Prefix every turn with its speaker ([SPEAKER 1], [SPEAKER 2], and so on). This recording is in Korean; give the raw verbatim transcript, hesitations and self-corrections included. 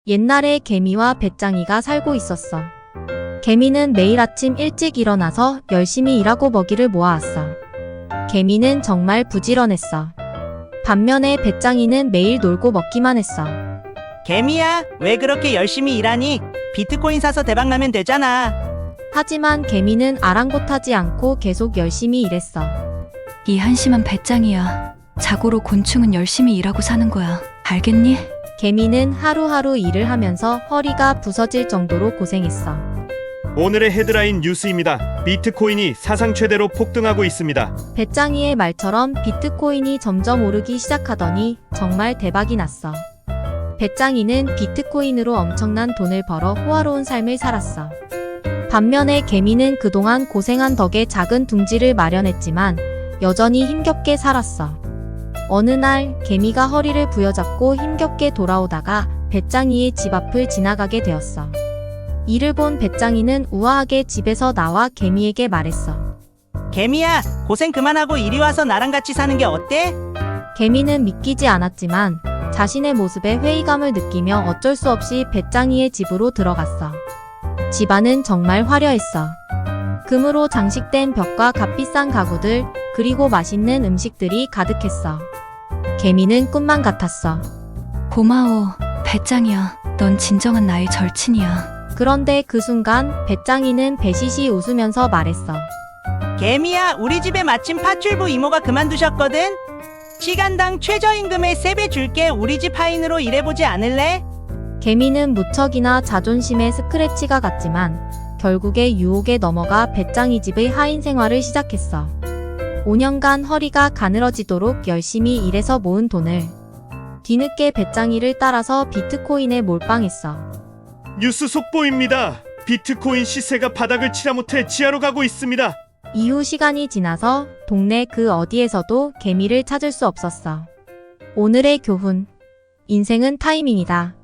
[SPEAKER 1] 옛날에 개미와 배짱이가 살고 있었어. 개미는 매일 아침 일찍 일어나서 열심히 일하고 먹이를 모아왔어. 개미는 정말 부지런했어. 반면에 배짱이는 매일 놀고 먹기만 했어.
[SPEAKER 2] 개미야, 왜 그렇게 열심히 일하니? 비트코인 사서 대박나면 되잖아.
[SPEAKER 1] 하지만 개미는 아랑곳하지 않고 계속 열심히 일했어.
[SPEAKER 3] 이 한심한 배짱이야. 자고로 곤충은 열심히 일하고 사는 거야. 알겠니?
[SPEAKER 1] 개미는 하루하루 일을 하면서 허리가 부서질 정도로 고생했어.
[SPEAKER 4] 오늘의 헤드라인 뉴스입니다. 비트코인이 사상 최대로 폭등하고 있습니다.
[SPEAKER 1] 배짱이의 말처럼 비트코인이 점점 오르기 시작하더니 정말 대박이 났어. 배짱이는 비트코인으로 엄청난 돈을 벌어 호화로운 삶을 살았어. 반면에 개미는 그동안 고생한 덕에 작은 둥지를 마련했지만 여전히 힘겹게 살았어. 어느 날 개미가 허리를 부여잡고 힘겹게 돌아오다가 배짱이의 집 앞을 지나가게 되었어. 이를 본 배짱이는 우아하게 집에서 나와 개미에게 말했어.
[SPEAKER 2] 개미야, 고생 그만하고 이리 와서 나랑 같이 사는 게 어때?
[SPEAKER 1] 개미는 믿기지 않았지만 자신의 모습에 회의감을 느끼며 어쩔 수 없이 배짱이의 집으로 들어갔어. 집안은 정말 화려했어. 금으로 장식된 벽과 값비싼 가구들, 그리고 맛있는 음식들이 가득했어. 개미는 꿈만 같았어.
[SPEAKER 3] 고마워, 배짱이야. 넌 진정한 나의 절친이야.
[SPEAKER 1] 그런데 그 순간 배짱이는 배시시 웃으면서 말했어.
[SPEAKER 2] 개미야, 우리 집에 마침 파출부 이모가 그만두셨거든? 시간당 최저임금의 세 배 줄게. 우리 집 하인으로 일해보지 않을래?
[SPEAKER 1] 개미는 무척이나 자존심의 스크래치가 갔지만 결국에 유혹에 넘어가 배짱이 집의 하인 생활을 시작했어. 오 년간 허리가 가늘어지도록 열심히 일해서 모은 돈을 뒤늦게 배짱이를 따라서 비트코인에 몰빵했어.
[SPEAKER 4] 뉴스 속보입니다. 비트코인 시세가 바닥을 치다 못해 지하로 가고 있습니다.
[SPEAKER 1] 이후 시간이 지나서 동네 그 어디에서도 개미를 찾을 수 없었어. 오늘의 교훈. 인생은 타이밍이다.